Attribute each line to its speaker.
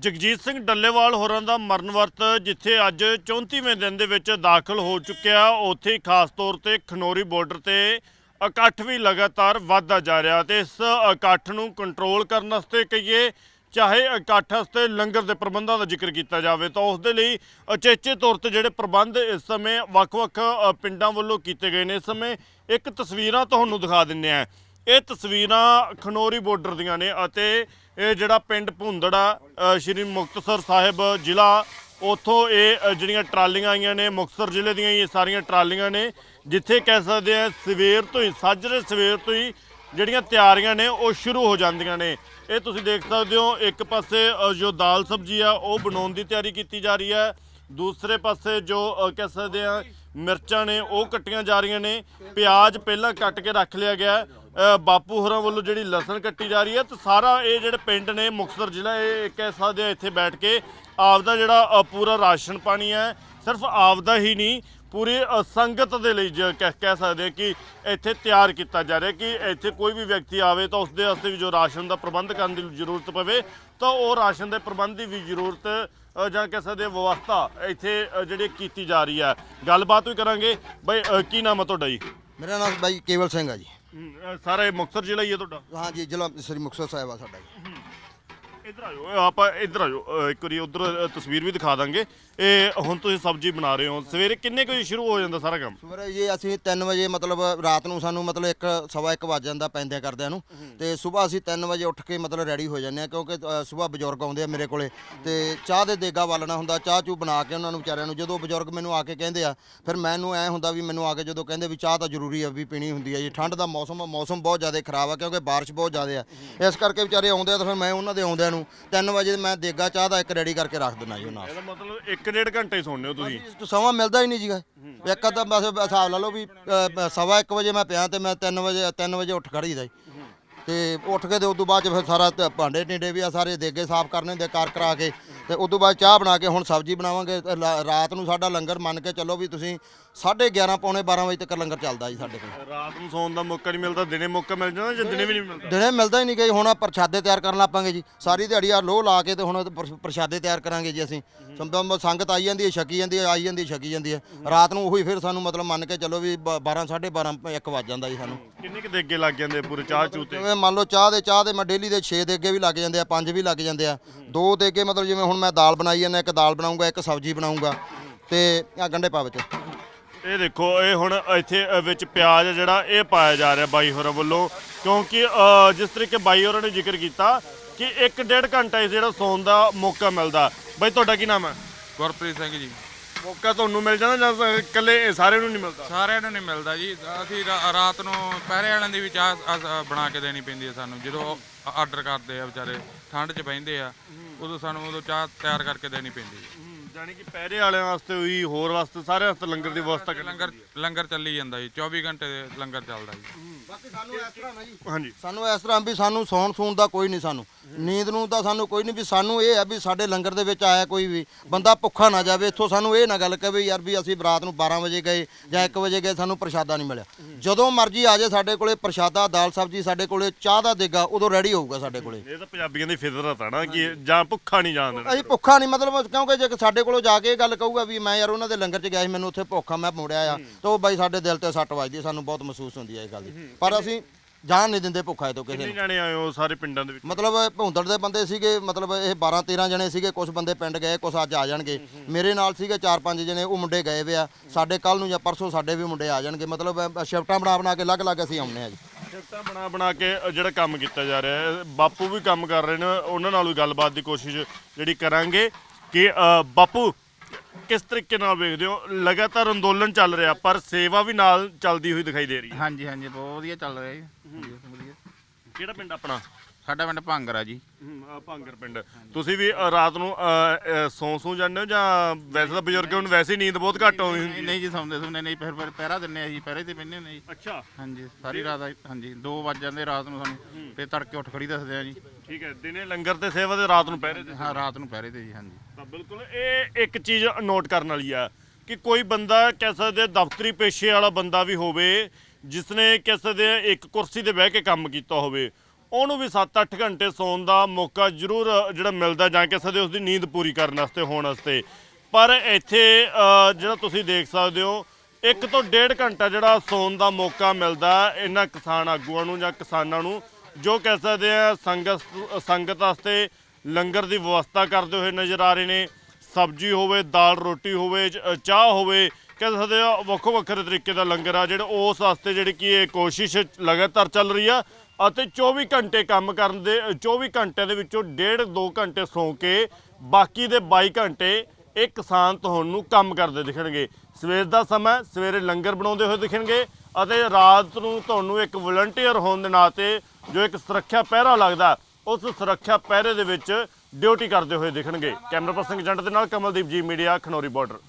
Speaker 1: ਜਗਜੀਤ ਸਿੰਘ ਡੱਲੇਵਾਲ ਹੋਰਾਂ ਦਾ ਮਰਨ ਵਰਤ ਜਿੱਥੇ ਅੱਜ 34ਵੇਂ ਦਿਨ ਦੇ ਵਿੱਚ ਦਾਖਲ ਹੋ ਚੁੱਕਿਆ, ਉੱਥੇ ਖਾਸ ਤੌਰ ਤੇ ਖਨੌਰੀ ਬਾਰਡਰ ਤੇ ਇਕੱਠ ਵੀ ਲਗਾਤਾਰ ਵੱਧਦਾ ਜਾ ਰਿਹਾ ਤੇ ਇਸ ਇਕੱਠ ਨੂੰ ਕੰਟਰੋਲ ਕਰਨ ਵਾਸਤੇ ਕਹੀਏ ਚਾਹੇ ਇਕੱਠ ਵਾਸਤੇ ਲੰਗਰ ਦੇ ਪ੍ਰਬੰਧਾਂ ਦਾ ਜ਼ਿਕਰ ਕੀਤਾ ਜਾਵੇ ਤਾਂ ਉਸ ਦੇ ਲਈ ਉਚੇਚੇ ਤੌਰ ਤੇ ਜਿਹੜੇ ਪ੍ਰਬੰਧ ਇਸ ਸਮੇਂ ਵੱਖ-ਵੱਖ ਪਿੰਡਾਂ ਵੱਲੋਂ ਕੀਤੇ ਗਏ ਨੇ। ਇਸ ਸਮੇਂ ਇੱਕ ਤਸਵੀਰਾਂ ਤੁਹਾਨੂੰ ਦਿਖਾ ਦਿੰਦੇ ਆ। ਇਹ ਤਸਵੀਰਾਂ ਖਨੌਰੀ ਬਾਰਡਰ ਦੀਆਂ ਨੇ ਅਤੇ ਇਹ ਜਿਹੜਾ ਪਿੰਡ ਭੁੰਦੜਾ ਸ਼੍ਰੀ ਮੁਕਤਸਰ ਸਾਹਿਬ ਜ਼ਿਲ੍ਹਾ, ਉੱਥੋਂ ਇਹ ਜਿਹੜੀਆਂ ਟਰਾਲੀਆਂ ਆਈਆਂ ਨੇ ਮੁਕਤਸਰ ਜ਼ਿਲ੍ਹੇ ਦੀਆਂ ਇਹ ਸਾਰੀਆਂ ਟਰਾਲੀਆਂ ਨੇ, ਜਿੱਥੇ ਕਹਿ ਸਕਦੇ ਆ ਸਵੇਰ ਤੋਂ ਹੀ ਸਾਜਰੇ ਸਵੇਰ ਤੋਂ ਹੀ ਜਿਹੜੀਆਂ ਤਿਆਰੀਆਂ ਨੇ ਉਹ ਸ਼ੁਰੂ ਹੋ ਜਾਂਦੀਆਂ ਨੇ। ਇਹ ਤੁਸੀਂ ਦੇਖ ਸਕਦੇ ਹੋ, ਇੱਕ ਪਾਸੇ ਜੋ ਦਾਲ ਸਬਜ਼ੀ ਆ ਉਹ ਬਣਾਉਣ ਦੀ ਤਿਆਰੀ ਕੀਤੀ ਜਾ ਰਹੀ ਹੈ, ਦੂਸਰੇ ਪਾਸੇ ਜੋ ਕਹਿ ਸਕਦੇ ਆ ਮਿਰਚਾਂ ਨੇ ਉਹ ਕੱਟੀਆਂ ਜਾ ਰਹੀਆਂ ਨੇ, ਪਿਆਜ਼ ਪਹਿਲਾਂ ਕੱਟ ਕੇ ਰੱਖ ਲਿਆ ਗਿਆ, ਬਾਪੂ ਹੋਰਾਂ ਵੱਲੋਂ ਜਿਹੜੀ ਲਸਣ ਕੱਟੀ ਜਾ ਰਹੀ ਹੈ। ਤੇ ਸਾਰਾ ਇਹ ਜਿਹੜੇ ਪਿੰਡ ਨੇ ਮੁਕਤਸਰ ਜ਼ਿਲ੍ਹਾ, ਇਹ ਕਹਿ ਸਕਦੇ ਆ ਇੱਥੇ ਬੈਠ ਕੇ ਆਪਦਾ ਜਿਹੜਾ ਪੂਰਾ ਰਾਸ਼ਨ ਪਾਣੀ ਹੈ, ਸਿਰਫ ਆਪਦਾ ਹੀ ਨਹੀਂ ਪੂਰੀ ਸੰਗਤ ਦੇ ਲਈ ਕਹਿ ਸਕਦੇ ਕਿ ਇੱਥੇ ਤਿਆਰ ਕੀਤਾ ਜਾ ਰਿਹਾ ਕਿ ਇੱਥੇ ਕੋਈ ਵੀ ਵਿਅਕਤੀ ਆਵੇ ਤਾਂ ਉਸਦੇ ਵਾਸਤੇ ਵੀ ਜੋ ਰਾਸ਼ਨ ਦਾ ਪ੍ਰਬੰਧ ਕਰਨ ਦੀ ਜ਼ਰੂਰਤ ਪਵੇ ਤਾਂ ਉਹ ਰਾਸ਼ਨ ਦੇ ਪ੍ਰਬੰਧ ਦੀ ਵੀ ਜ਼ਰੂਰਤ ਜਾਂ ਕਹਿ ਸਕਦੇ ਵਿਵਸਥਾ ਇੱਥੇ ਜਿਹੜੀ ਕੀਤੀ ਜਾ ਰਹੀ ਹੈ। ਗੱਲਬਾਤ ਵੀ ਕਰਾਂਗੇ। ਬਾਈ ਕੀ ਨਾਮ ਹੈ ਤੁਹਾਡਾ ਜੀ?
Speaker 2: ਮੇਰਾ ਨਾਮ ਬਾਈ ਕੇਵਲ ਸਿੰਘ ਆ ਜੀ।
Speaker 1: ਸਾਰਾ ਇਹ ਮੁਕਤਸਰ ਜ਼ਿਲ੍ਹਾ ਹੀ ਹੈ ਤੁਹਾਡਾ?
Speaker 2: ਹਾਂ ਜੀ, ਜ਼ਿਲ੍ਹਾ ਸ੍ਰੀ ਮੁਕਤਸਰ ਸਾਹਿਬ ਆ ਸਾਡਾ ਜੀ।
Speaker 1: ਇੱਧਰ ਆ ਜਾਓ, ਆਪਾਂ ਇੱਧਰ ਆ ਜਾਓ, ਇੱਕ ਵਾਰੀ ਉੱਧਰ ਤਸਵੀਰ ਵੀ ਦਿਖਾ ਦਾਂਗੇ। ਇਹ ਹੁਣ ਤੁਸੀਂ ਸਬਜ਼ੀ ਬਣਾ ਰਹੇ ਹੋ, ਸਵੇਰੇ ਕਿੰਨੇ ਕੁ ਵਜੇ ਸ਼ੁਰੂ ਹੋ ਜਾਂਦਾ ਸਾਰਾ ਕੰਮ?
Speaker 2: ਸਵੇਰੇ ਜੀ ਅਸੀਂ 3 ਵਜੇ ਮਤਲਬ ਰਾਤ ਨੂੰ ਸਾਨੂੰ ਮਤਲਬ 1:15 ਵੱਜ ਜਾਂਦਾ ਪੈਂਦਿਆਂ ਕਰਦਿਆਂ ਨੂੰ, ਤੇ ਸਵੇਰ ਅਸੀਂ 3 ਵਜੇ ਉੱਠ ਕੇ ਮਤਲਬ ਰੈਡੀ ਹੋ ਜਾਂਦੇ ਆ, ਕਿਉਂਕਿ ਸਵੇਰ ਬਜ਼ੁਰਗ ਆਉਂਦੇ ਆ ਮੇਰੇ ਕੋਲੇ ਤੇ ਚਾਹ ਦੇ ਦੇਗਾ ਵਾਲਣਾ ਹੁੰਦਾ, ਚਾਹ ਚੂ ਬਣਾ ਕੇ ਉਹਨਾਂ ਨੂੰ ਵਿਚਾਰਿਆਂ ਨੂੰ। ਜਦੋਂ ਬਜ਼ੁਰਗ ਮੈਨੂੰ ਆ ਕੇ ਕਹਿੰਦੇ ਆ ਫਿਰ ਮੈਨੂੰ ਐ ਹੁੰਦਾ ਵੀ ਮੈਨੂੰ ਆ ਕੇ ਜਦੋਂ ਕਹਿੰਦੇ ਵੀ ਚਾਹ ਤਾਂ ਜ਼ਰੂਰੀ ਆ ਵੀ ਪੀਣੀ ਹੁੰਦੀ ਆ ਜੀ। ਠੰਡ ਦਾ ਮੌਸਮ ਬਹੁਤ ਜ਼ਿਆਦਾ ਖਰਾਬ ਆ ਕਿਉਂਕਿ ਬਾਰਿਸ਼ ਬਹੁਤ ਜ਼ਿਆਦਾ ਆ, ਇਸ ਕਰਕੇ ਵਿਚਾਰੇ ਆਉਂਦੇ ਆ ਤਾਂ ਫਿਰ ਮੈਂ ਉਹਨਾਂ ਦੇ ਆਉਂਦਿਆਂ ਨੂੰ 3 ਵਜੇ ਮੈਂ ਦੇਗਾ ਚਾਹ ਦਾ ਇੱਕ ਰੈਡੀ ਕਰਕੇ ਰੱਖ ਦਿੰਦਾ ਜੀ ਉਹਨਾਂ।
Speaker 1: ਇਹਦਾ ਮਤਲਬ 1.5 ਘੰਟੇ ਸੌਂਦੇ ਹੋ ਤੁਸੀਂ?
Speaker 2: ਸਮਾਂ ਮਿਲਦਾ ਹੀ ਨਹੀਂ ਜੀ। ਇੱਕ ਤਾਂ ਬਸ ਹਿਸਾਬ ਲਾ ਲਓ ਵੀ 1:15 ਵਜੇ ਮੈਂ ਪਿਆ ਤੇ ਮੈਂ 3 ਵਜੇ ਉੱਠ ਖੜੀਦਾ ਜੀ। ਤੇ ਉੱਠ ਕੇ ਤੇ ਉਦੋਂ ਬਾਅਦ ਫਿਰ ਸਾਰਾ ਭਾਂਡੇ ਢੀਂਡੇ ਵੀ ਆ ਸਾਰੇ ਦੇਗੇ ਸਾਫ਼ ਕਰਨੇ ਹੁੰਦੇ ਕਰ ਕਰਾ ਕੇ, ਤੇ ਉਦੋਂ ਬਾਅਦ ਚਾਹ ਬਣਾ ਕੇ ਹੁਣ ਸਬਜ਼ੀ ਬਣਾਵਾਂਗੇ। ਰਾਤ ਨੂੰ ਸਾਡਾ ਲੰਗਰ ਮੰਨ ਕੇ ਚੱਲੋ ਵੀ ਤੁਸੀਂ 11:30 ਪੌਣੇ 12 ਵਜੇ ਤੱਕ ਲੰਗਰ ਚੱਲਦਾ ਜੀ ਸਾਡੇ ਕੋਲ।
Speaker 1: ਰਾਤ ਨੂੰ ਸੌਣ ਦਾ ਮੌਕਾ ਨਹੀਂ ਮਿਲਦਾ, ਦਿਨੇ ਮੌਕਾ ਮਿਲ ਜਾਂਦਾ ਜਾਂ ਦਿਨੇ ਵੀ ਨਹੀਂ ਮਿਲਦਾ?
Speaker 2: ਦਿਨੇ ਮਿਲਦਾ ਹੀ ਨਹੀਂ ਗਈ। ਹੁਣ ਪ੍ਰਸ਼ਾਦੇ ਤਿਆਰ ਕਰਨ ਲੱਪਾਂਗੇ ਜੀ, ਸਾਰੀ ਦਿਹਾੜੀ ਆ ਲੋਹ ਲਾ ਕੇ ਤੇ ਹੁਣ ਪ੍ਰਸ਼ਾਦੇ ਤਿਆਰ ਕਰਾਂਗੇ ਜੀ ਅਸੀਂ। ਸੰਗਤ ਆਈ ਜਾਂਦੀ ਹੈ, ਛਕੀ ਜਾਂਦੀ ਹੈ, ਆਈ ਜਾਂਦੀ ਹੈ, ਛਕੀ ਜਾਂਦੀ ਹੈ। ਰਾਤ ਨੂੰ ਉਹੀ ਫਿਰ ਸਾਨੂੰ ਮਤਲਬ ਮੰਨ ਕੇ ਚੱਲੋ ਵੀ 12 12:30 1 ਵੱਜ ਜਾਂਦਾ ਜੀ ਸਾਨੂੰ।
Speaker 1: ਕਿੰਨੇ ਕੁ ਦੇਗੇ ਲੱਗ ਜਾਂਦੇ ਪੂਰੇ ਚਾਹ ਚੂ ਤੇ?
Speaker 2: ਜਿਵੇਂ ਮੰਨ ਲਓ ਚਾਹ ਦੇ ਮੈਂ ਡੇਲੀ ਦੇ 6 ਦੇਗੇ ਵੀ ਲੱਗ ਜਾਂਦੇ ਆ, 5 ਵੀ ਲੱਗ ਜਾਂਦੇ ਆ। 2 ਦੇਗੇ ਮਤਲਬ ਜਿਵੇਂ ਹੁਣ ਮੈਂ ਦਾਲ ਬਣਾਈ ਜਾਂਦਾ, ਇੱਕ ਦਾਲ ਬਣਾਉਂਗਾ, ਇੱਕ ਸਬਜ਼ੀ ਬਣਾਉਂਗਾ ਤੇ ਆ ਗੰਢੇ ਪਾ ਵਿੱਚ।
Speaker 1: ਇਹ ਦੇਖੋ, ਇਹ ਹੁਣ ਇੱਥੇ ਵਿੱਚ ਪਿਆਜ਼ ਜਿਹੜਾ ਇਹ ਪਾਇਆ ਜਾ ਰਿਹਾ ਬਾਈ ਹੋਰਾਂ ਵੱਲੋਂ, ਕਿਉਂਕਿ ਜਿਸ ਤਰੀਕੇ ਬਾਈ ਹੋਰਾਂ ਨੇ ਜ਼ਿਕਰ ਕੀਤਾ ਕਿ 1.5 ਘੰਟਾ ਜਿਹੜਾ ਸੌਣ ਦਾ ਮੌਕਾ ਮਿਲਦਾ। ਬਾਈ ਤੁਹਾਡਾ ਕੀ ਨਾਮ ਹੈ?
Speaker 3: ਗੁਰਪ੍ਰੀਤ ਸਿੰਘ ਜੀ।
Speaker 1: ਮੌਕਾ ਤੁਹਾਨੂੰ ਮਿਲ ਜਾਂਦਾ ਜਾਂ ਇਕੱਲੇ ਸਾਰਿਆਂ ਨੂੰ ਨਹੀਂ ਮਿਲਦਾ?
Speaker 3: ਸਾਰਿਆਂ ਨੂੰ ਨਹੀਂ ਮਿਲਦਾ ਜੀ। ਅਸੀਂ ਰਾਤ ਨੂੰ ਪਹਿਰੇ ਵਾਲਿਆਂ ਦੀ ਵੀ ਚਾਹ ਬਣਾ ਕੇ ਦੇਣੀ ਪੈਂਦੀ ਹੈ ਸਾਨੂੰ, ਜਦੋਂ ਆਰਡਰ ਕਰਦੇ ਆ ਵਿਚਾਰੇ ਠੰਡ 'ਚ ਬਹਿੰਦੇ ਆ, ਉਦੋਂ ਚਾਹ ਤਿਆਰ ਕਰਕੇ ਦੇਣੀ ਪੈਂਦੀ ਹੈ।
Speaker 1: ਜਾਨੀ ਕਿ ਪਹਿਰੇ ਵਾਲਿਆਂ ਵਾਸਤੇ ਵੀ ਹੋਰ ਵਾਸਤੇ ਸਾਰਿਆਂ ਵਾਸਤੇ ਲੰਗਰ ਦੀ ਵਿਵਸਥਾ
Speaker 3: ਲੰਗਰ ਚੱਲੀ ਜਾਂਦਾ ਜੀ, 24 ਘੰਟੇ ਲੰਗਰ ਚੱਲਦਾ ਜੀ।
Speaker 2: ਬਾਕੀ ਸਾਨੂੰ ਇਸ ਤਰ੍ਹਾਂ ਨਾ ਜੀ,
Speaker 1: ਹਾਂਜੀ
Speaker 2: ਸਾਨੂੰ ਇਸ ਤਰ੍ਹਾਂ ਵੀ ਸਾਨੂੰ ਸੌਣ ਦਾ ਕੋਈ ਨਹੀਂ, ਸਾਨੂੰ ਨੀਂਦ ਨੂੰ ਤਾਂ ਸਾਨੂੰ ਕੋਈ ਨਹੀਂ। ਵੀ ਸਾਨੂੰ ਇਹ ਹੈ ਵੀ ਸਾਡੇ ਲੰਗਰ ਦੇ ਵਿੱਚ ਆਇਆ ਕੋਈ ਵੀ ਬੰਦਾ ਭੁੱਖਾ ਨਾ ਜਾਵੇ ਇੱਥੋਂ। ਸਾਨੂੰ ਇਹ ਨਾ ਗੱਲ ਕਹੇ ਯਾਰ ਵੀ ਅਸੀਂ ਰਾਤ ਨੂੰ 12 ਵਜੇ ਗਏ ਜਾਂ 1 ਵਜੇ ਗਏ ਸਾਨੂੰ ਪ੍ਰਸ਼ਾਦਾ ਨਹੀਂ ਮਿਲਿਆ। ਜਦੋਂ ਮਰਜ਼ੀ ਆ ਜਾਏ ਸਾਡੇ ਕੋਲੇ ਪ੍ਰਸ਼ਾਦਾ, ਦਾਲ ਸਬਜ਼ੀ, ਸਾਡੇ ਕੋਲੇ ਚਾਹ ਦਾ ਦੇਗਾ ਉਦੋਂ ਰੈਡੀ ਹੋਊਗਾ ਸਾਡੇ ਕੋਲੇ।
Speaker 1: ਇਹ ਤਾਂ ਪੰਜਾਬੀਆਂ ਦੀ ਫਿਤਰਤ ਆ ਨਾ ਕਿ ਜਾਂ ਭੁੱਖਾ ਨਹੀਂ ਜਾਣ ਦੇਣਾ।
Speaker 2: ਅਸੀਂ ਭੁੱਖਾ ਨਹੀਂ ਮਤਲਬ, ਕਿਉਂਕਿ ਜੇ ਸਾਡੇ ਕੋਲੋਂ ਜਾ ਕੇ ਇਹ ਗੱਲ ਕਹੂਗਾ ਵੀ ਮੈਂ ਯਾਰ ਉਹਨਾਂ ਦੇ ਲੰਗਰ 'ਚ ਗਿਆ ਸੀ ਮੈਨੂੰ ਉੱਥੇ ਭੁੱਖਾ ਮੈਂ ਮੁੜਿਆ ਆ, ਤਾਂ ਉਹ ਬਾਈ ਸਾਡੇ ਦਿਲ ਤੇ ਸੱਟ ਵੱਜਦੀ, ਸਾਨੂੰ ਬਹੁਤ ਮਹਿਸੂਸ ਹੁੰਦੀ ਹੈ ਇਹ ਗੱਲ ਦੀ। ਪਰ ਅਸੀਂ ਜਾਣ ਨਹੀਂ ਦਿੰਦੇ ਭੁੱਖਾ ਤੋਂ ਕਿਸੇ ਨੂੰ।
Speaker 1: ਜਾਣੇ ਆਏ ਹੋ ਸਾਰੇ ਪਿੰਡਾਂ ਦੇ ਵਿੱਚ?
Speaker 2: ਮਤਲਬ ਭੌਂਦੜ ਦੇ ਬੰਦੇ ਸੀਗੇ, ਮਤਲਬ ਇਹ 12-13 ਜਣੇ ਸੀਗੇ। ਕੁਝ ਬੰਦੇ ਪਿੰਡ ਗਏ, ਕੁਝ ਅੱਜ ਆ ਜਾਣਗੇ। ਮੇਰੇ ਨਾਲ ਸੀਗੇ 4-5 ਜਣੇ, ਉਹ ਮੁੰਡੇ ਗਏ ਵੇ ਆ। ਸਾਡੇ ਕੱਲ ਨੂੰ ਜਾਂ ਪਰਸੋਂ ਸਾਡੇ ਵੀ ਮੁੰਡੇ ਆ ਜਾਣਗੇ। ਮਤਲਬ ਸ਼ਿਫਟਾਂ ਬਣਾ ਕੇ ਅਲੱਗ-ਅਲੱਗ ਅਸੀਂ ਆਉਂਦੇ ਆ ਜੀ।
Speaker 1: ਸ਼ਿਫਟਾਂ ਬਣਾ ਕੇ ਜਿਹੜਾ ਕੰਮ ਕੀਤਾ ਜਾ ਰਿਹਾ ਹੈ, ਬਾਪੂ ਵੀ ਕੰਮ ਕਰ ਰਹੇ ਨੇ, ਉਹਨਾਂ ਨਾਲ ਵੀ ਗੱਲਬਾਤ ਦੀ ਕੋਸ਼ਿਸ਼ ਜਿਹੜੀ ਕਰਾਂਗੇ ਕਿ ਬਾਪੂ ਕਿਸ ਤਰੀਕੇ ਨਾਲ ਵੇਖਦੇ ਹੋ? ਲਗਾਤਾਰ ਅੰਦੋਲਨ ਚੱਲ ਰਿਹਾ ਪਰ ਸੇਵਾ ਵੀ ਨਾਲ ਚੱਲਦੀ ਹੋਈ ਦਿਖਾਈ ਦੇ ਰਹੀ ਹੈ।
Speaker 4: ਹਾਂਜੀ ਹਾਂਜੀ, ਬਹੁਤ ਵਧੀਆ ਚੱਲ ਰਿਹਾ ਜੀ। ਵਧੀਆ।
Speaker 1: ਕਿਹੜਾ ਪਿੰਡ ਆਪਣਾ?
Speaker 4: ਸਾਡਾ ਪਿੰਡ ਭਾਂਗਰ ਆ ਜੀ।
Speaker 1: ਭਾਂਗਰ ਪਿੰਡ। ਤੁਸੀਂ ਵੀ ਰਾਤ ਨੂੰ ਸੌਂ ਜਾਂਦੇ ਹੋ ਜਾਂ ਵੈਸੇ ਤਾਂ ਬਜ਼ੁਰਗਾਂ ਨੂੰ ਵੈਸੇ ਹੀ ਨੀਂਦ ਬਹੁਤ ਘੱਟ ਆਉਂਦੀ ਹੁੰਦੀ?
Speaker 4: ਨਹੀਂ ਜੀ, ਸੌਂਦੇ ਨਹੀਂ, ਫਿਰ ਪਹਿਰਾ ਦਿੰਨੇ ਆ ਜੀ, ਪਹਿਰੇ ਤੇ ਪੈਂਦੇ ਹੁੰਦੇ ਜੀ।
Speaker 1: ਅੱਛਾ।
Speaker 4: ਹਾਂਜੀ, ਸਾਰੀ ਰਾਤ ਹਾਂਜੀ 2 ਵੱਜ ਜਾਂਦੇ ਰਾਤ ਨੂੰ ਸਾਨੂੰ, ਤੇ ਤੜਕੇ ਉੱਠ ਖੜੀ ਦੱਸਦੇ ਆ ਜੀ।
Speaker 1: ਠੀਕ ਹੈ, ਦਿਨੇ ਲੰਗਰ ਤੇ ਸੇਵਾ ਤੇ ਰਾਤ ਨੂੰ ਪਹਿਰੇ ਤੇ?
Speaker 4: ਹਾਂ, ਰਾਤ ਨੂੰ ਪਹਿਰੇ ਤੇ ਜੀ। ਹਾਂਜੀ
Speaker 1: ਤਾਂ ਬਿਲਕੁਲ ਇਹ ਇੱਕ ਚੀਜ਼ ਨੋਟ ਕਰਨ ਵਾਲੀ ਆ ਕਿ ਕੋਈ ਬੰਦਾ ਕਹਿ ਸਕਦੇ ਦਫ਼ਤਰੀ ਪੇਸ਼ੇ ਵਾਲਾ ਬੰਦਾ ਵੀ ਹੋਵੇ, ਜਿਸਨੇ ਕਹਿ ਸਕਦੇ ਇੱਕ ਕੁਰਸੀ ਤੇ ਬਹਿ ਕੇ ਕੰਮ ਕੀਤਾ ਹੋਵੇ, ਉਹਨੂੰ ਵੀ 7-8 ਘੰਟੇ ਸੌਣ ਦਾ ਮੌਕਾ ਜ਼ਰੂਰ ਜਿਹੜਾ ਮਿਲਦਾ ਜਾਂ ਕਹਿ ਸਕਦੇ ਉਸ ਦੀ ਨੀਂਦ ਪੂਰੀ ਕਰਨ ਵਾਸਤੇ ਹੋਣ ਵਾਸਤੇ। ਪਰ ਇੱਥੇ ਜਿਹੜਾ ਤੁਸੀਂ ਦੇਖ ਸਕਦੇ ਹੋ 1 ਤੋਂ 1.5 ਘੰਟਾ ਜਿਹੜਾ ਸੌਣ ਦਾ ਮੌਕਾ ਮਿਲਦਾ ਇਹਨਾਂ ਕਿਸਾਨ ਆਗੂਆਂ ਨੂੰ ਜਾਂ ਕਿਸਾਨਾਂ ਨੂੰ, ਜੋ ਕਹਿ ਸਕਦੇ ਆ ਸੰਗਤ ਵਾਸਤੇ ਲੰਗਰ ਦੀ ਵਿਵਸਥਾ ਕਰਦੇ ਹੋਏ ਨਜ਼ਰ ਆ ਰਹੇ ਨੇ। ਸਬਜ਼ੀ ਹੋਵੇ, ਦਾਲ ਰੋਟੀ ਹੋਵੇ, ਚਾਹ ਹੋਵੇ, ਕਹਿ ਸਕਦੇ ਆ ਵੱਖੋ ਵੱਖਰੇ ਤਰੀਕੇ ਦਾ ਲੰਗਰ ਆ ਜਿਹੜਾ ਉਸ ਵਾਸਤੇ ਜਿਹੜੀ ਕਿ ਇਹ ਕੋਸ਼ਿਸ਼ ਲਗਾਤਾਰ ਚੱਲ ਰਹੀ ਆ। ਅਤੇ 24 ਘੰਟੇ ਕੰਮ ਕਰਨ ਦੇ 24 ਘੰਟਿਆਂ ਦੇ ਵਿੱਚੋਂ 1.5-2 ਘੰਟੇ ਸੌਂ ਕੇ ਬਾਕੀ ਦੇ 22 ਘੰਟੇ ਇਹ ਕਿਸਾਨ ਤੁਹਾਨੂੰ ਕੰਮ ਕਰਦੇ ਦਿਖਣਗੇ। ਸਵੇਰ ਦਾ ਸਮਾਂ ਸਵੇਰੇ ਲੰਗਰ ਬਣਾਉਂਦੇ ਹੋਏ ਦਿਖਣਗੇ ਅਤੇ ਰਾਤ ਨੂੰ ਤੁਹਾਨੂੰ ਇੱਕ ਵਲੰਟੀਅਰ ਹੋਣ ਦੇ ਨਾਤੇ ਜੋ ਇੱਕ ਸੁਰੱਖਿਆ ਪਹਿਰਾ ਲੱਗਦਾ ਉਸ ਸੁਰੱਖਿਆ ਪਹਿਰੇ ਦੇ ਵਿੱਚ ਡਿਊਟੀ ਕਰਦੇ ਹੋਏ ਦਿਖਣਗੇ। ਕੈਮਰਾ ਪਰਸਨ ਜੰਟ ਦੇ ਨਾਲ ਕਮਲਦੀਪ ਜੀ, ਮੀਡੀਆ, ਖਨੌਰੀ ਬਾਰਡਰ।